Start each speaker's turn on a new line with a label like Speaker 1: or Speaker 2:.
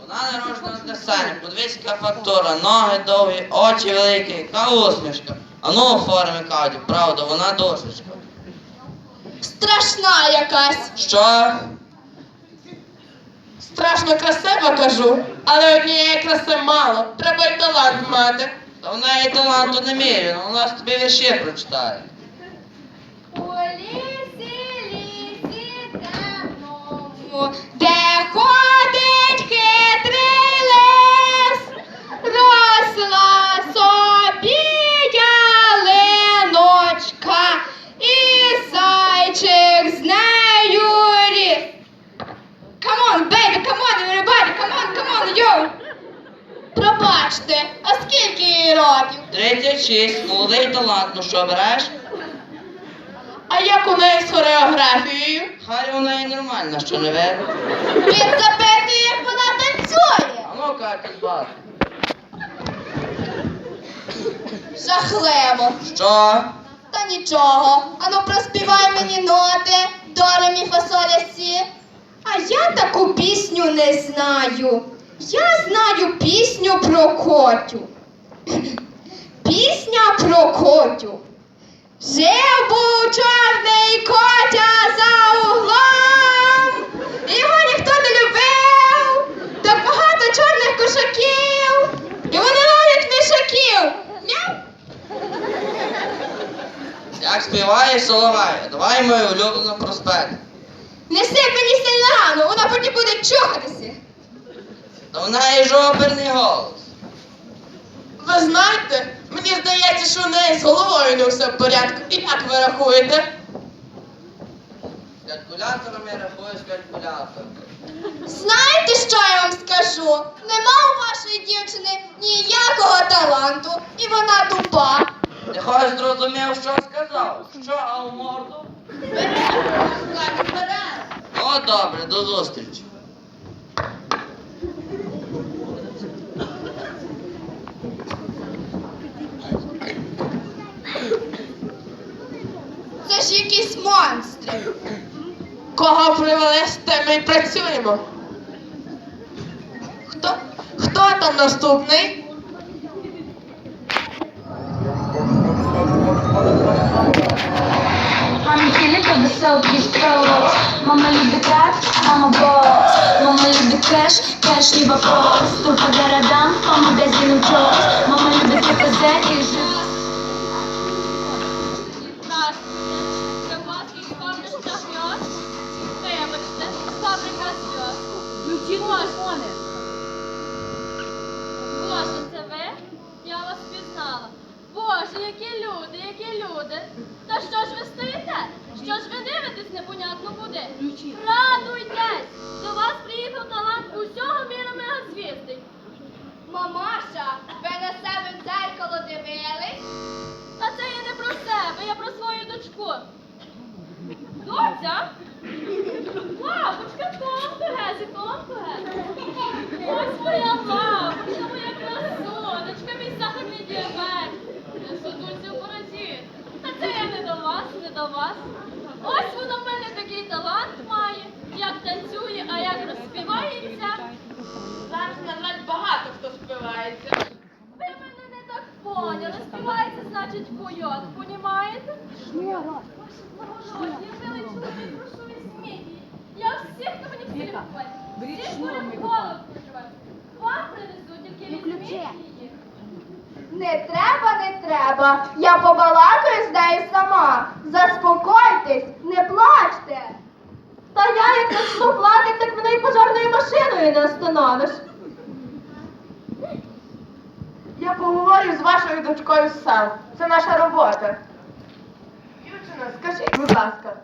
Speaker 1: Вона народжена для Сані. Подивись, яка фактура, ноги довгі, очі великі, яка усмішка. А ну оформи Катю, правда, вона душечка.
Speaker 2: Страшна якась.
Speaker 1: Що?
Speaker 2: Страшно красива, кажу. Але однієї краси мало. Треба й талант мати.
Speaker 1: Та в неї таланту не міряно, вона ж тобі вірші прочитає.
Speaker 3: У лісі темному, де ходить хитрий лис, росла собі ялиночка, і зайчик з нею ріс. Come on, baby, come on, everybody, come on, yo! Пробачте, а скільки їй років?
Speaker 1: 36, молодий талант, ну що береш?
Speaker 2: А як у неї з хореографією?
Speaker 1: Хай у неї нормальна, що не видно.
Speaker 3: Він запитує, як вона танцює.
Speaker 1: А ну Катю, збати.
Speaker 3: Жахливо.
Speaker 1: Що?
Speaker 3: Та нічого. Ану проспівай мені ноти. До, ре, мі, фа, соль, ля, сі. А я таку пісню не знаю. Я знаю пісню про Котю. Пісня про Котю. Жив був чорний котя за углом. Його ніхто не любив. Так багато чорних кошаків. І вони ловлять мішаків. Мяу.
Speaker 1: Як співає Соловей, давай мою улюблену проспект.
Speaker 3: Не сип мені сильно рано, вона потім буде чухатися.
Speaker 1: Та в неї ж оперний голос.
Speaker 2: Ви знаєте, мені здається, що у неї з головою не все в порядку. І як ви рахуєте?
Speaker 1: З калькулятором я рахую з калькулятором.
Speaker 3: Знаєте, що я вам скажу? Нема у вашої дівчини ніякого таланту, і вона тупа.
Speaker 1: Ти хоч зрозумів, що сказав? Що, а в морду? О, добре, до зустрічі.
Speaker 3: Це ж якісь монстри.
Speaker 2: Кого привели, з тим ми й працюємо. Хто там наступний?
Speaker 4: Мамі кіліка веселки стрелок. Мама любить рap, мама босс. Мама любить кеш, кеш не вопрос. Тут по городам, по магазинам чёс. Мама любит КПЗ и жив.
Speaker 5: Здравствуйте. Це Власний фабрика сльоз. Вибачте, фабрика сльоз. Включіть телефони. Боже, це ви? Я вас впізнала. Боже, які люди, які люди. Та що ж ви стоїте? Що ж ви дивитесь непонятно куди? Радуйтесь! До вас приїхав талант усього міра мегазвіздий.
Speaker 3: Мамаша, ви на себе в дзеркало дивились?
Speaker 5: Та це я не про себе, я про свою дочку. Доця? Лапочка, тонко, Гезі, тонко, Гезі. Ось моя лапочка, моя красунечка, мій сахарний діабет. Я сутуся в бороді. Та це я не до вас, не до вас. Ось воно в мене такий талант має, як танцює, а як розспівається.
Speaker 2: Зараз, на жаль, багато хто співається.
Speaker 5: Ви мене не так поняли. Співається, значить, койот, понімаєте? Благородні, милий чоловік, прошу візьміть її. Я всіх, хто мені всі любить. Всіх будемо голову проживати. Вам принесу, тільки візьміть її.
Speaker 3: Не треба, не треба. Я побалакаю з нею сама. Заспокойтесь, не плачте. Та я як почну плакати, так мене й пожарною машиною не остановиш.
Speaker 2: Я поговорю з вашою дочкою сам. Це наша робота. Дівчина, скажіть, будь ласка,